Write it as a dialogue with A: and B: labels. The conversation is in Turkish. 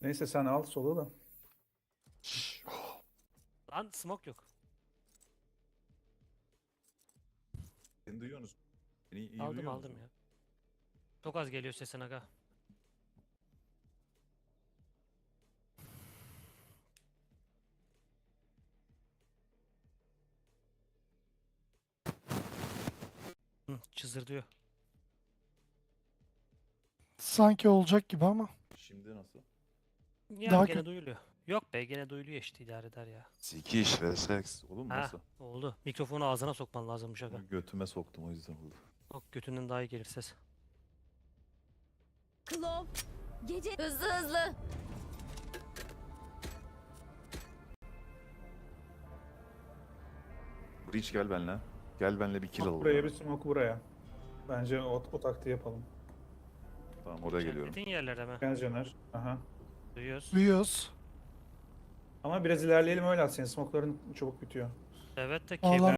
A: Neyse sen al solu da.
B: Lan smoke yok.
C: Beni duyuyorsunuz. Beni iyi
B: Aldım
C: duyuyorsunuz
B: aldım
C: mu?
B: ya. Çok az geliyor sesin aga. Hı, çızırdıyor.
D: Sanki olacak gibi ama.
C: Şimdi nasıl?
B: Yani
D: Daha
B: gene
D: kötü.
B: duyuluyor. Yok be gene duyuluyor işte idare eder ya.
C: Sikiş ve seks. Oğlum
B: Ha
C: nasıl?
B: oldu. Mikrofonu ağzına sokman lazımmış aga.
C: Götüme soktum o yüzden oldu.
B: Bak götünden daha iyi gelir ses.
E: Klov. Gece hızlı hızlı.
C: Breach gel benle. Gel benle bir kill
A: Smoke
C: alalım.
A: buraya bir smoke buraya. Bence o taktiği yapalım.
C: Tamam oraya geliyorum.
B: İşaretlediğin yerlere mi?
A: Gel Caner. Aha.
B: Duyuyoruz.
D: Duyuyoruz.
A: Ama biraz ilerleyelim öyle at. Senin smoke'ların çabuk bitiyor.
B: Evet de
D: Vallahi
B: cable